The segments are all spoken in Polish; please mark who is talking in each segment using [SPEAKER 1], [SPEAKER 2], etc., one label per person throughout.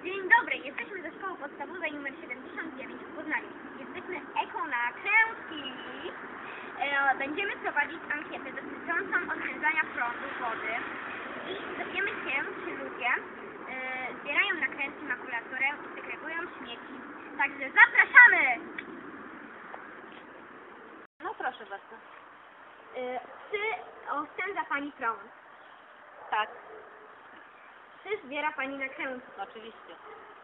[SPEAKER 1] Dzień dobry, jesteśmy ze szkoły podstawowej nr 79 w Poznaniu. Jesteśmy ekonakrętki. Będziemy prowadzić ankietę dotyczącą oszczędzania prądu, wody i dowiemy się, czy ludzie zbierają nakrętki, makulaturę i segregują śmieci. Także zapraszamy!
[SPEAKER 2] No proszę bardzo.
[SPEAKER 1] Czy oszczędza Pani prąd?
[SPEAKER 2] Tak,
[SPEAKER 1] Czy zbiera Pani nakrętki?
[SPEAKER 2] oczywiście.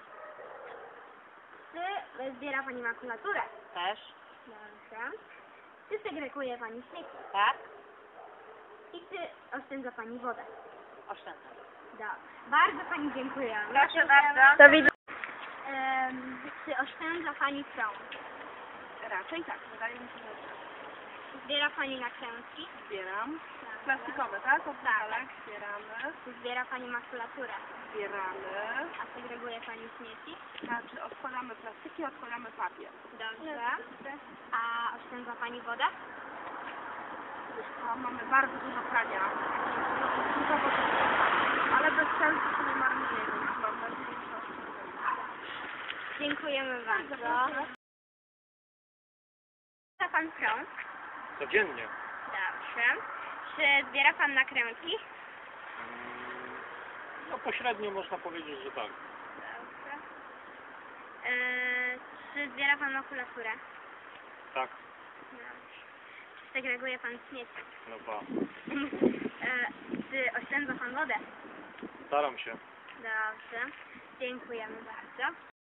[SPEAKER 1] Czy zbiera Pani makulaturę?
[SPEAKER 2] Też.
[SPEAKER 1] Dobrze. Czy segreguje Pani śmieci?
[SPEAKER 2] Tak,
[SPEAKER 1] I czy oszczędza Pani wodę?
[SPEAKER 2] oszczędzam.
[SPEAKER 1] Dobrze. Bardzo Pani dziękuję.
[SPEAKER 2] Proszę bardzo.
[SPEAKER 1] Do widzenia. Czy oszczędza Pani prąd?
[SPEAKER 2] Raczej tak, wydaje mi się, że tak.
[SPEAKER 1] Zbiera Pani nakrętki?
[SPEAKER 2] Zbieram.
[SPEAKER 1] Dobrze.
[SPEAKER 2] Plastikowe, tak? Od
[SPEAKER 1] Tak.
[SPEAKER 2] butelek zbieramy.
[SPEAKER 1] Czy zbiera Pani makulaturę?
[SPEAKER 2] Zbieramy.
[SPEAKER 1] A segreguje Pani śmieci?
[SPEAKER 2] Znaczy odkładamy plastiki, odkładamy papier.
[SPEAKER 1] Dobrze. A oszczędza Pani wodę?
[SPEAKER 2] Wiesz co, mamy bardzo dużo prania. Dużo wody. Ale bez sensu się nie marnuje, więc mam nadzieję, że oszczędzamy.
[SPEAKER 1] Dziękujemy bardzo. Zbiera Pan prąd?
[SPEAKER 3] Codziennie.
[SPEAKER 1] Dobrze. Czy zbiera Pan nakrętki?
[SPEAKER 3] No pośrednio można powiedzieć, że tak.
[SPEAKER 1] Dobrze. Czy zbiera Pan makulaturę?
[SPEAKER 3] Tak.
[SPEAKER 1] Dobrze. Czy segreguje Pan śmieci?
[SPEAKER 3] No ba.
[SPEAKER 1] Czy oszczędza Pan wodę?
[SPEAKER 3] Staram się.
[SPEAKER 1] Dobrze. Dziękujemy bardzo.